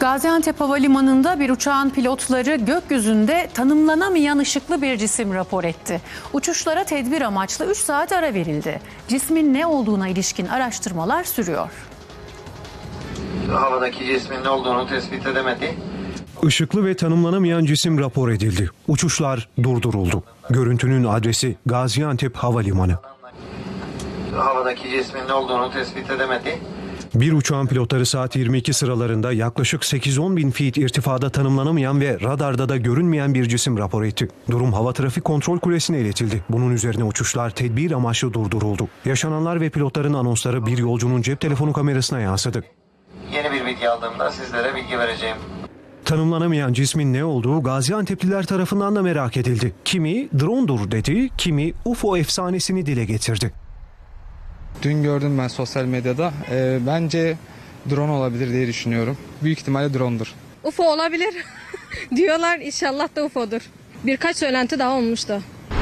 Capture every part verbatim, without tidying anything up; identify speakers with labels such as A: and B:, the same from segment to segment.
A: Gaziantep Havalimanı'nda bir uçağın pilotları gökyüzünde tanımlanamayan ışıklı bir cisim rapor etti. Uçuşlara tedbir amaçlı üç saat ara verildi. Cismin ne olduğuna ilişkin araştırmalar sürüyor.
B: Havadaki cismin ne olduğunu tespit edemedi.
C: Işıklı ve tanımlanamayan cisim rapor edildi. Uçuşlar durduruldu. Görüntünün adresi Gaziantep Havalimanı.
B: Havadaki cismin ne olduğunu tespit edemedi.
C: Bir uçağın pilotları saat yirmi iki sıralarında yaklaşık sekiz on bin feet irtifada tanımlanamayan ve radarda da görünmeyen bir cisim rapor etti. Durum Hava Trafik Kontrol Kulesi'ne iletildi. Bunun üzerine uçuşlar tedbir amaçlı durduruldu. Yaşananlar ve pilotların anonsları bir yolcunun cep telefonu kamerasına yansıdı.
B: Yeni bir bilgi aldığımda sizlere bilgi vereceğim.
C: Tanımlanamayan cismin ne olduğu Gaziantep'liler tarafından da merak edildi. Kimi drone'dur dedi, kimi U F O efsanesini dile getirdi.
D: Dün gördüm ben sosyal medyada. Ee, bence drone olabilir diye düşünüyorum. Büyük ihtimalle drone'dur.
E: U F O olabilir diyorlar, inşallah da U F O'dur. Birkaç söylenti daha olmuştu.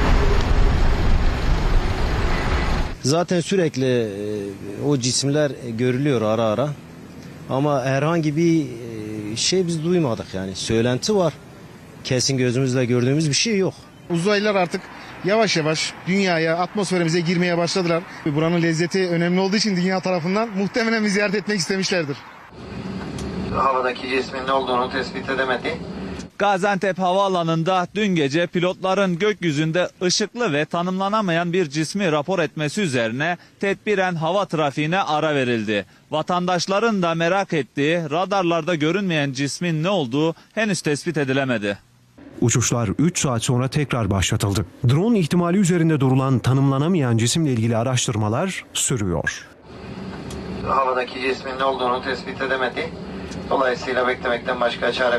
F: Zaten sürekli o cisimler görülüyor ara ara. Ama herhangi bir şey biz duymadık yani. Söylenti var. Kesin gözümüzle gördüğümüz bir şey yok.
G: Uzaylılar artık yavaş yavaş dünyaya, atmosferimize girmeye başladılar. Buranın lezzeti önemli olduğu için dünya tarafından muhtemelen bir ziyaret etmek istemişlerdir.
B: Havadaki cismin ne olduğunu tespit edemedi.
H: Gaziantep Havaalanı'nda dün gece pilotların gökyüzünde ışıklı ve tanımlanamayan bir cismi rapor etmesi üzerine tedbiren hava trafiğine ara verildi. Vatandaşların da merak ettiği radarlarda görünmeyen cismin ne olduğu henüz tespit edilemedi.
C: Uçuşlar üç saat sonra tekrar başlatıldı. Drone ihtimali üzerinde durulan tanımlanamayan cisimle ilgili araştırmalar sürüyor.
B: Havadaki cismin ne olduğunu tespit edemedi. Dolayısıyla beklemekten başka çare